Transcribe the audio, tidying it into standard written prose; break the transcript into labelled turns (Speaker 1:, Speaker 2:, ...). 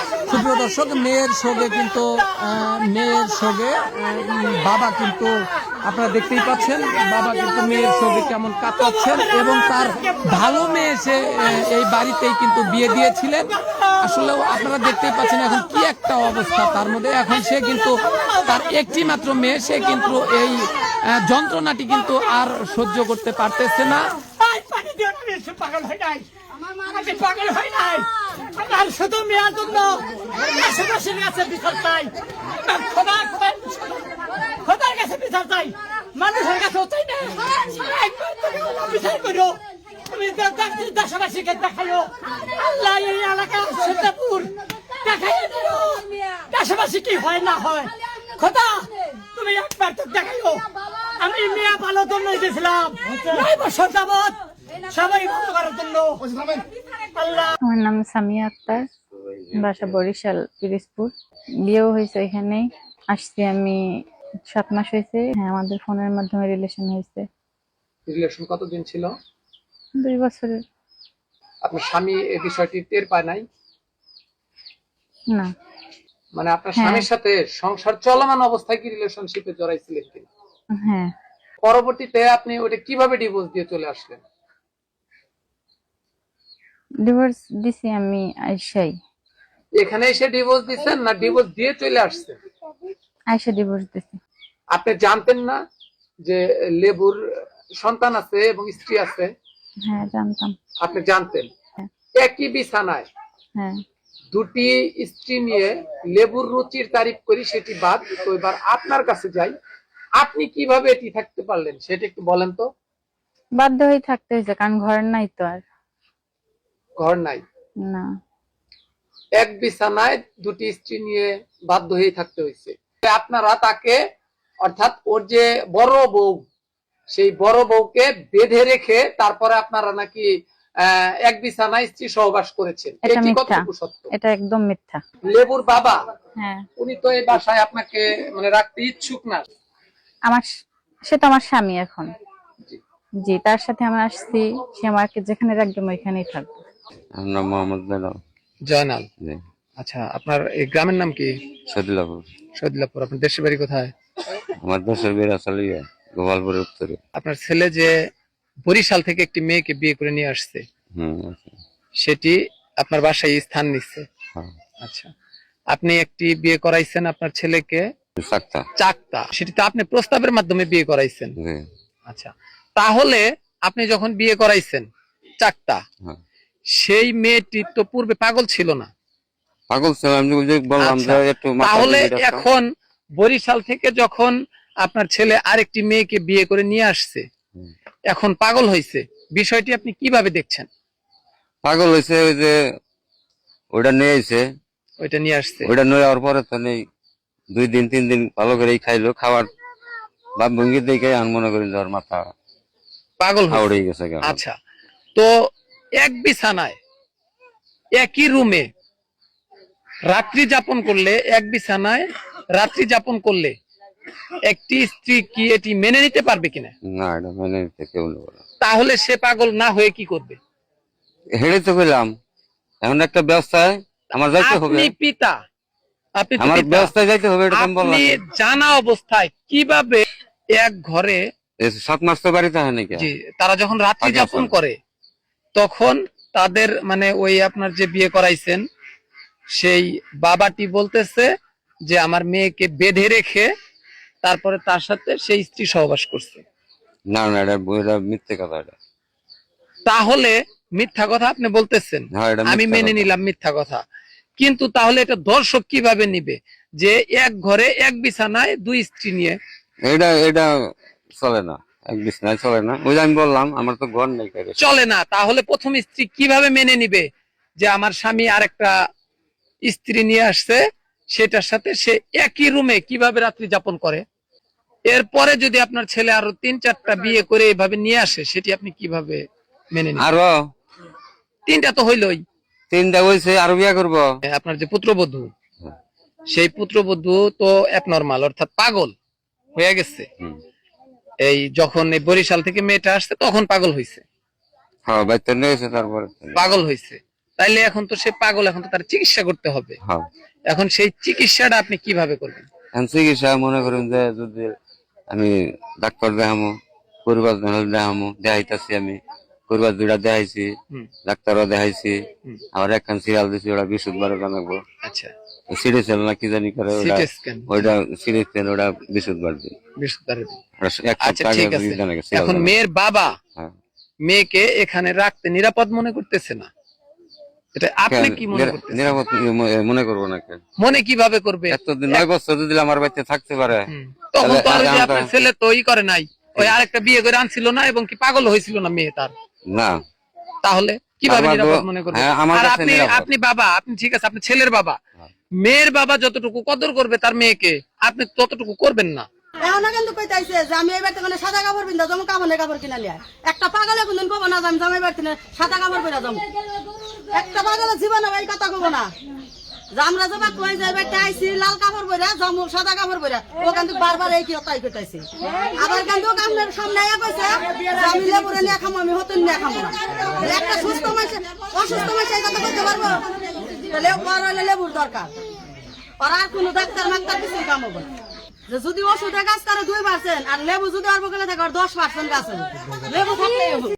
Speaker 1: সুপ্রিয় দর্শক, মেয়ের সঙ্গে কিন্তু বাবা কিন্তু আপনারা দেখতেই পাচ্ছেন, বাবা কিন্তু মেয়ের সঙ্গে কেমন কাটাচ্ছেন এবং তার ভালো মেয়ে সে এই বাড়িতেই কিন্তু বিয়ে দিয়েছিলেন। আসলেও আপনারা দেখতেই পাচ্ছেন এখন কি একটা অবস্থা তার মধ্যে। এখন সে কিন্তু তার একটি মাত্র মেয়ে, সে কিন্তু এই যন্ত্রণাটি কিন্তু আর সহ্য করতে পারতেছে না।
Speaker 2: পাগল হয় নাই, আমি পাগল হয় নাই। আমার শুধু মেয়ের জন্য আশেপাশের কাছে বিচার চাই, খোদার কাছে বিচার চাই, মানুষের কাছেও চাই না। একবার তুমি বিচার করো, তুমি দেশবাসীকে দেখাইও, আল্লাহ এই এলাকা সীতাপুর দেখাইয়ে দিও দেশবাসী কি হয় না হয়। খোদা তুমি একবার তো দেখাইও। আমি মেয়ে ভালো জন্য গেছিলাম 9 বছর যাবত, সবাই ভালো করার জন্য।
Speaker 3: আমার নাম সামিয়া আক্তার, বাসা বরিশাল পিরিজপুর। বিয়েও হয়েছে এখানেই। আসছি আমি 7 মাস হয়েছে। হ্যাঁ, আমাদের ফোনের মাধ্যমে রিলেশন হয়েছে।
Speaker 1: রিলেশন কতদিন ছিল?
Speaker 3: 2 বছরের।
Speaker 1: আপনার স্বামী এই বিষয়টি টের পায় নাই?
Speaker 3: না,
Speaker 1: মানে আপনার স্বামীর সাথে সংসার চলমান অবস্থায় কি রিলেশনশিপে জড়াইছিলেন কিনা?
Speaker 3: হ্যাঁ।
Speaker 1: পরবর্তীতে আপনি ওটা কিভাবে ডিভোর্স দিয়ে চলে আসলেন?
Speaker 3: ডিভোর্স দিছি আমি আইসাই।
Speaker 1: এখানে এসে ডিভোর্স দিচ্ছেন না ডিভোর্স দিয়ে চলে আসছেন?
Speaker 3: আইসা ডিভোর্স দিছি।
Speaker 1: আপনি জানতেন না যে লেবুর সন্তান আছে এবং স্ত্রী আছে?
Speaker 3: হ্যাঁ, জানতাম।
Speaker 1: আপনি জানতেন।
Speaker 3: হ্যাঁ।
Speaker 1: একই বিছানায়
Speaker 3: হ্যাঁ।
Speaker 1: দুটি স্ত্রী নিয়ে লেবুর রুচির তারিফ করি, সেটি বাদ। তো এবার আপনার কাছে যাই, আপনি কিভাবে এটি থাকতে পারলেন সেটা একটু বলেন তো।
Speaker 3: বাধ্য হয়ে থাকতে হয়েছে, কারণ ঘর নাই তো আর।
Speaker 1: ঘর নাই?
Speaker 3: না।
Speaker 1: এক বিছানায় দুটি স্ত্রী নিয়ে বাধ্য হয়ে থাকতে হয়েছে। আপনারা তাকে, অর্থাৎ ওর যে বড় বউ, সেই বড় বউকে বেঁধে রেখে তারপরে আপনারা নাকি এক বিছানায় স্ত্রী সহবাস করেছেন।
Speaker 3: এটা
Speaker 1: এটি
Speaker 3: মিথ্যা।
Speaker 1: কতটুকু সত্য?
Speaker 3: এটা একদম মিথ্যা।
Speaker 1: লেবুর বাবা,
Speaker 3: হ্যাঁ,
Speaker 1: উনি তো এই বাসায় আপনাকে মানে রাখতে ইচ্ছুক না।
Speaker 3: সে তো আমার স্বামী এখন। জি, তার সাথে আমি আসছি, সে আমাকে যেখানে রাখবে আমি ওইখানেই থাকবো।
Speaker 4: আমার নাম মোহাম্মদ
Speaker 1: জয়নাল।
Speaker 4: জি।
Speaker 1: আচ্ছা, আপনার এই গ্রামের নাম কি?
Speaker 4: সদিলাপুর।
Speaker 1: সদিলাপুর। আপনার দেশের বাড়ি কোথায়?
Speaker 4: আমার দেশের বের আসলে গোপালপুরের উত্তরে।
Speaker 1: আপনার ছেলে যে বরিশাল থেকে একটি মেয়েকে বিয়ে করে নিয়ে আসছে,
Speaker 4: আচ্ছা।
Speaker 1: সেটি আপনার বাসায় স্থান নিচ্ছে?
Speaker 4: হ্যাঁ।
Speaker 1: আচ্ছা, আপনি একটি বিয়ে করাইছেন আপনার ছেলেকে চাকতা, সেটি তো আপনি প্রস্তাবের মাধ্যমে বিয়ে করাইছেন?
Speaker 4: জি।
Speaker 1: আচ্ছা, তাহলে আপনি যখন বিয়ে করাইছেন চাকতা,
Speaker 4: হ্যাঁ।
Speaker 1: সেই মেয়েটি তো পূর্বে পাগল ছিল না?
Speaker 4: পাগল ছিল, আমি বললাম যে একটু
Speaker 1: তাহলে এখন বরিশাল থেকে যখন আপনার ছেলে আরেকটি মেয়েকে বিয়ে করে নিয়ে আসছে, এখন পাগল হয়েছে, বিষয়টি আপনি কিভাবে দেখছেন?
Speaker 4: পাগল হয়েছে ওই যে ওইটা নিয়ে আইছে,
Speaker 1: ওইটা নিয়ে আসছে,
Speaker 4: ওইটা নিয়ে যাওয়ার পরে তো নেই 2 দিন 3 দিন ভালো করে খাইলো, খাওয়ার ভাব ভঙ্গি দেখে আমি মনে করি যাওয়ার মাথা
Speaker 1: পাগল
Speaker 4: হাওড়ে গেছে।
Speaker 1: আচ্ছা, তো এক বিছানায় একই রুমে রাত্রি যাপন করলে, এক বিছানায় রাত্রি যাপন করলে একটি স্ত্রী কি এটি মেনে নিতে পারবে কিনা?
Speaker 4: না, এটা মেনে নিতে কেউ নেব না।
Speaker 1: তাহলে সে পাগল না হয়ে কি করবে?
Speaker 4: হেঁড়ে তো গেলাম, এখন একটা ব্যবস্থায় আমার যাইতে হবে।
Speaker 1: আপনি পিতা, আপনি
Speaker 4: আমার ব্যবস্থায় যাইতে হবে, এটা
Speaker 1: আপনি জানা অবস্থায় কিভাবে এক ঘরে
Speaker 4: 7 মাস তো বাড়িতে হয় নাকি?
Speaker 1: জি, তারা যখন রাত্রি যাপন করে তখন তাদের মানে ওই আপনার যে বিয়ে করাইছেন সেই বাবাটি বলতেছে যে আমার মেয়েকে বেঁধে রেখে তারপরে তার সাথে সেই স্ত্রী সহবাস করছে।
Speaker 4: না না, এটা মিথ্যে কথা। এটা
Speaker 1: তাহলে মিথ্যা কথা আপনি বলতেছেন, আমি মেনে নিলাম মিথ্যা কথা, কিন্তু তাহলে এটা দর্শক কিভাবে নিবে যে এক ঘরে এক বিছানায় 2 স্ত্রী নিয়ে?
Speaker 4: এটা চলে না, এক বিছানায় চলে না। ওই আমি বললাম আমার তো ঘর নেই।
Speaker 1: চলে না, তাহলে প্রথম স্ত্রী কিভাবে মেনে নিবে যে আমার স্বামী আরেকটা স্ত্রী নিয়ে আসছে, সেটার সাথে সে একই রুমে কিভাবে রাত্রি যাপন করে? এরপরে যদি আপনার ছেলে আরো 3-4টা বিয়ে করে এইভাবে নিয়ে আসে, সেটি আপনি কিভাবে মেনে নিবেন?
Speaker 4: আরো
Speaker 1: 3টা তো হইলই।
Speaker 4: 3টা হইছে, আরো বিয়ে করবো।
Speaker 1: আপনার যে পুত্রবধূ, সেই পুত্রবধূ তো অ্যাবনরমাল, অর্থাৎ পাগল হয়ে গেছে। এই যখন এই বরিশাল থেকে মেয়েটা আসছে তখন পাগল হয়েছে।
Speaker 4: হ্যাঁ, বাইতে নিয়েছে, তারপরে
Speaker 1: পাগল হয়েছে। তাইলে এখন তো সে পাগল, এখন তো তার চিকিৎসা করতে হবে।
Speaker 4: হ্যাঁ
Speaker 1: এখন সেই চিকিৎসাটা আপনি কিভাবে করবেন?
Speaker 4: এখন চিকিৎসা মনে করেন যে যদি আমি ডাক্তার দেখামো, পরিবার দেখামো, দেখাইতেছি আমি পরিবার দুইটা দেখাইছি, ডাক্তারও দেখাইছি, আবার একখান সিরিয়াল দিছি, ওটা বৃহস্পতিবার জানাবো।
Speaker 1: আচ্ছা,
Speaker 4: সিরিজ না কি জানি করে ওটা,
Speaker 1: সিটি স্ক্যান,
Speaker 4: ওইটা সিরিজ ওটা বৃহস্পতিবার দিন।
Speaker 1: বৃহস্পতিবার।
Speaker 4: এক
Speaker 1: আচ্ছা
Speaker 4: সপ্তাহ
Speaker 1: ঠিক
Speaker 4: আগে
Speaker 1: আছে।
Speaker 4: জানা গেছে।
Speaker 1: এখন মেয়ের বাবা
Speaker 4: হ্যাঁ।
Speaker 1: মেয়েকে এখানে রাখতে নিরাপদ মনে করতেছে না, এটা আপনি কি মনে করতেছেন?
Speaker 4: নিরাপদ মনে করবো না কেন?
Speaker 1: মনে কিভাবে করবে?
Speaker 4: এতদিন 9 বছর যদি আমার বাড়িতে থাকতে পারে,
Speaker 1: তখন তো আর
Speaker 4: তাহলে
Speaker 1: যে আপনার ছেলে তো ই করে নাই, ওই আরেকটা বিয়ে করে আনছিল না, এবং কি পাগল হয়েছিল না মেয়ে তার,
Speaker 4: না
Speaker 1: তাহলে কিভাবে
Speaker 4: আমার
Speaker 1: নিরাপদ
Speaker 4: তো-
Speaker 1: মনে করবে?
Speaker 4: হ্যাঁ, আমার
Speaker 1: আর
Speaker 4: কাছে
Speaker 1: আপনি
Speaker 4: নিরাপদ।
Speaker 1: আপনি বাবা, আপনি ঠিক আছে, আপনি ছেলের বাবা, মেয়ের বাবা যতটুকু কদর করবে তার মেয়েকে, আপনি ততটুকু করবেন না।
Speaker 5: এখন কিন্তু কইতাইছে যে আমি এবার থেকে সাদা কাপড় পিন্ধা যাবো, কাপড়ের কাপড় কিনা লিয়া। একটা পাগলে কোনদিন কব না যে আমি জামাই বাড়ি সাদা কাপড় পরে যাবো। একটা পাগলে জীবনে এই কথা কব না যে আমরা যাবা কই যাইবে আইসি লাল কাপড় পরে যাবো, সাদা কাপড় পরে। ও কিন্তু বারবার এই কি তাই কইতাইছে। আবার কিন্তু আপনার সামনে আয়া কইছে যে আমি লেবুরে নিয়ে খামো, আমি হতুন নিয়ে খামো না। একটা সুস্থ মানুষ অসুস্থ মানুষ এই কথা কইতে পারবো? তাহলে ওর হইলে লেবুর দরকার, আর আর কোনো ডাক্তার মাক্তার কিছু কাম হবে না। যে যদি ওষুধে গাছ করে 2% আর লেবু যদি অল্প করে থাকে 10% গাছ হবে। লেবু থাকলেই হবে।